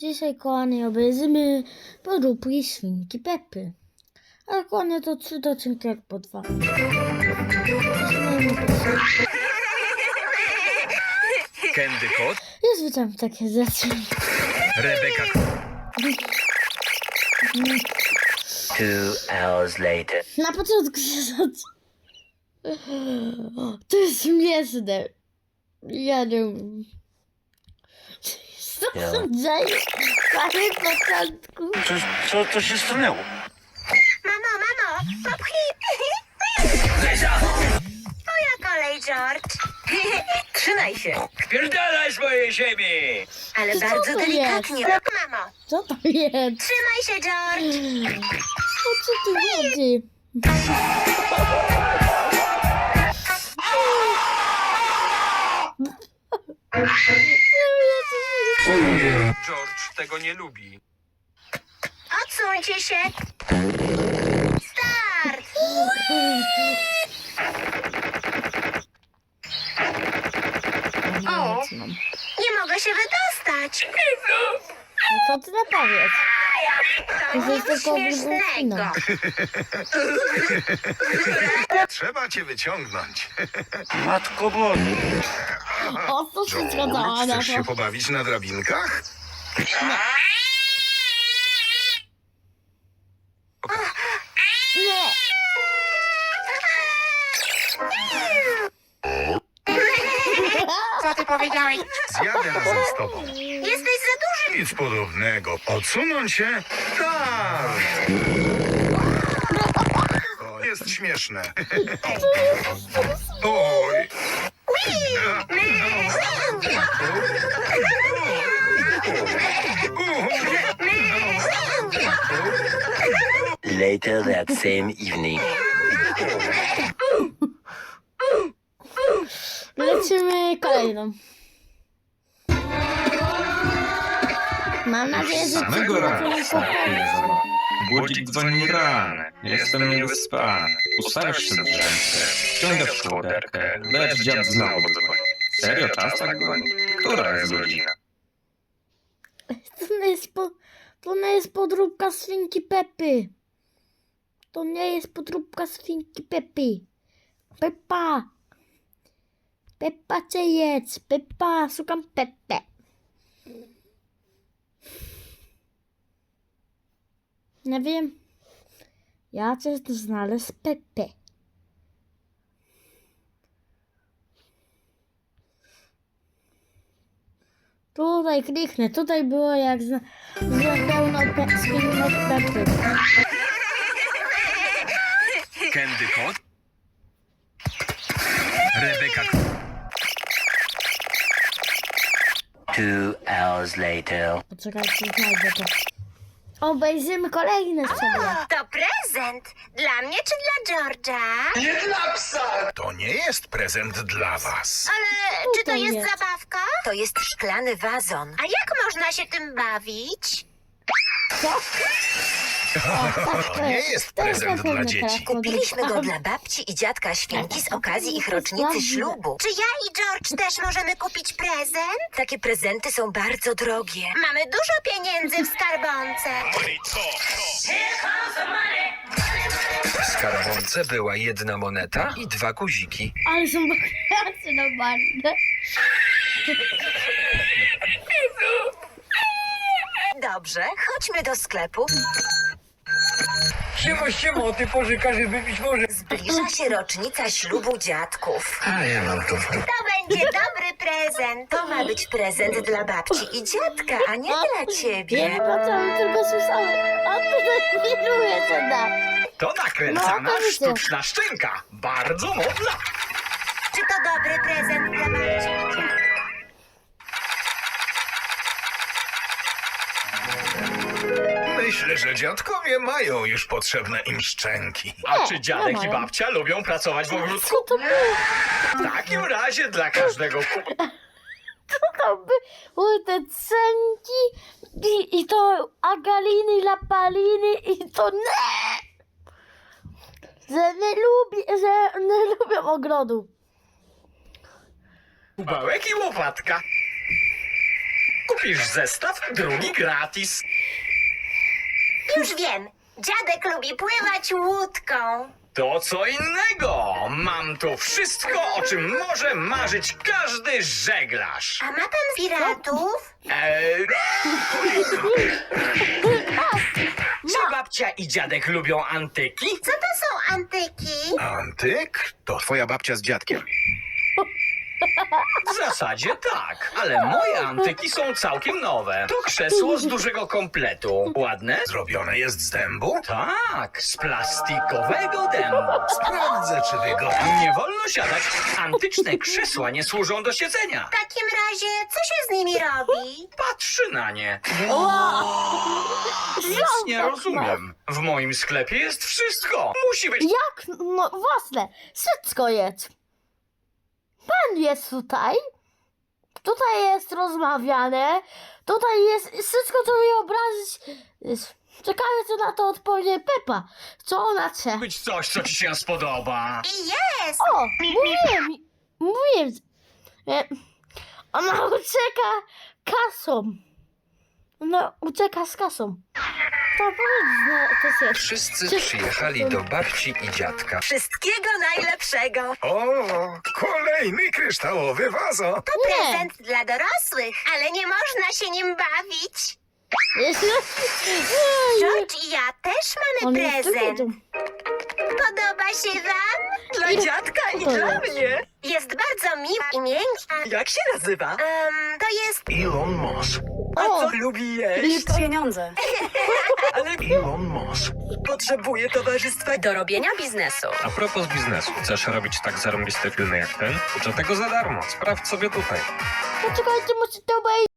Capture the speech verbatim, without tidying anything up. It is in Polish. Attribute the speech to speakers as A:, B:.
A: Dzisiaj, kochani, obejrzymy podróbki świnki Pepy. Ale kochani, to trzy odcinki jak po dwa.
B: Candy Kot,
A: Już widziałam takie rzeczy.
B: Rebeka.
C: Two hours later.
A: Na początku się zaczyna. To jest śmieszne. Ja nie wiem. Co się dzieje? Na początku.
B: Co, co, co się stanęło?
D: Mamo, mamo, popchnij. Twoja kolej, George. Trzymaj się,
B: Wpierdalaj z mojej ziemi!
D: ale
A: Co
D: bardzo
A: to
D: delikatnie. Mamo,
A: Co to jest?
D: trzymaj się, George.
A: O co tu chodzi?
B: George tego nie lubi.
D: Odsuńcie się. Start. O, nie mogę się wydostać.
A: No co ty nie powiesz?
D: To
A: To jest
D: nic
A: tylko
D: śmiesznego.
A: wróżbina.
E: Trzeba cię wyciągnąć.
B: Matko Boże.
A: O co się zgadzała na
E: Chcesz się
A: to?
E: pobawić na drabinkach?
A: Nie!
D: Co ty powiedziałeś?
E: Zjadę razem z tobą.
D: Jesteś za duży.
E: Nic podobnego. Odsunąć się? Tak! To jest śmieszne. Oj!
C: Later that same evening.
A: Lecimy kolejną. Mam nadzieję, że
F: Samego
A: ci
F: rana
A: nie
F: wstępuję za mną. Budzik dzwoni rano, jestem niewyspany. Ustawiasz się drzemce, ściągasz kołderkę, lecz dziad znowu dzwoni. Serio czas tak goni? Która jest godzina?
A: To nie jest, po, to nie jest podróbka świnki Pepy. To nie jest podróbka świnki Pepy. Pepa. Pepa cię jedz. Pepa, szukam Pepę. Nie wiem. Ja chcę znaleźć Pepę. Tutaj kliknę. Tutaj było jak z, z pełno pe, świnek Pepy.
B: Candy Kot, Rebeka.
C: Two hours later.
A: Poczekajcie, znajdę to. Obejrzymy kolejne sobie.
D: To prezent. Dla mnie czy dla George'a?
E: To nie jest prezent dla was.
D: Ale czy to
A: Tutaj
D: jest
A: jest.
D: zabawka? To jest szklany wazon. A jak można się tym bawić?
E: To nie jest prezent dla dzieci.
D: Kupiliśmy go dla babci i dziadka świnki z okazji ich rocznicy ślubu. Czy ja i George też możemy kupić prezent? Takie prezenty są bardzo drogie. Mamy dużo pieniędzy w skarbonce.
B: W skarbonce była jedna moneta i dwa guziki.
A: Ale są wakacje normalne.
D: Dobrze, chodźmy do sklepu.
B: Siema, siema, ty pożyka, żeby być może.
D: Zbliża się rocznica ślubu dziadków.
B: A ja mam to w
D: To będzie dobry prezent. To ma być prezent dla babci i dziadka, a nie dla
A: Wiem,
D: ciebie.
A: po co bym tylko słyszałem. A tutaj chwiluje co da.
G: To nakręcana
A: No, to widzę.
G: sztuczna szczęka. Bardzo modna.
D: Czy to dobry prezent dla babci?
E: Myślę, że dziadkowie mają już potrzebne im szczęki.
G: A czy dziadek
A: no
G: i
A: mają.
G: babcia lubią pracować w ogródku?
A: Co to było?
G: W takim razie dla każdego kup...
A: Co to były te cenki i, i to agaliny, lapaliny i to nie. Że nie lubię, że nie lubię ogrodu.
G: kubełek i łopatka. Kup Kupisz zestaw, drugi gratis.
D: Już wiem. Dziadek lubi pływać łódką.
G: To co innego. Mam tu wszystko, o czym może marzyć każdy żeglarz.
D: A ma pan piratów?
G: Eee, czy
A: Ma.
G: babcia i dziadek lubią antyki?
D: Co to są antyki?
E: Antyk? To twoja babcia z dziadkiem.
G: W zasadzie tak, ale moje antyki są całkiem nowe. To krzesło z dużego kompletu. Ładne?
E: Zrobione jest z dębu?
G: Tak, z plastikowego dębu.
E: Sprawdzę, czy wygodnie.
G: Nie wolno siadać. Antyczne krzesła nie służą do siedzenia.
D: W takim razie, co się z nimi robi?
G: Patrzy na nie. Nic nie rozumiem. W moim sklepie jest wszystko. Musi być...
A: Jak? No własne. Wszystko jest. Pan jest tutaj. Tutaj jest rozmawiane. Tutaj jest wszystko, co mi obrazić. Jest- Czekamy, co na to odpowie Pepa. Co ona chce?
G: być coś, co ci się spodoba.
D: I jest!
A: O, mówiłem. Mówiłem. E, Ona ucieka kasą. Ona ucieka z kasą. To powiedz, no, to jest.
B: Wszyscy przyjechali do babci i dziadka.
D: Wszystkiego najlepszego.
E: O, kolejny kryształowy wazo.
D: To
A: Nie.
D: prezent dla dorosłych, ale nie można się nim bawić. George i ja też mamy
A: On jest
D: prezent.
A: tu.
D: Podoba się wam?
A: Dla dziadka i dla
D: mnie. Jest bardzo miła i miękka.
G: Jak się nazywa?
D: Um, to jest...
E: Elon Musk.
A: O,
G: lubi jeść?
H: Pieniądze.
E: Elon Musk.
G: Potrzebuje towarzystwa.
H: Do robienia biznesu.
F: A propos biznesu, chcesz robić tak zarąbiste filmy jak ten? Uczę tego za darmo. Sprawdź sobie tutaj.
A: poczekajcie, muszę to obejrzeć.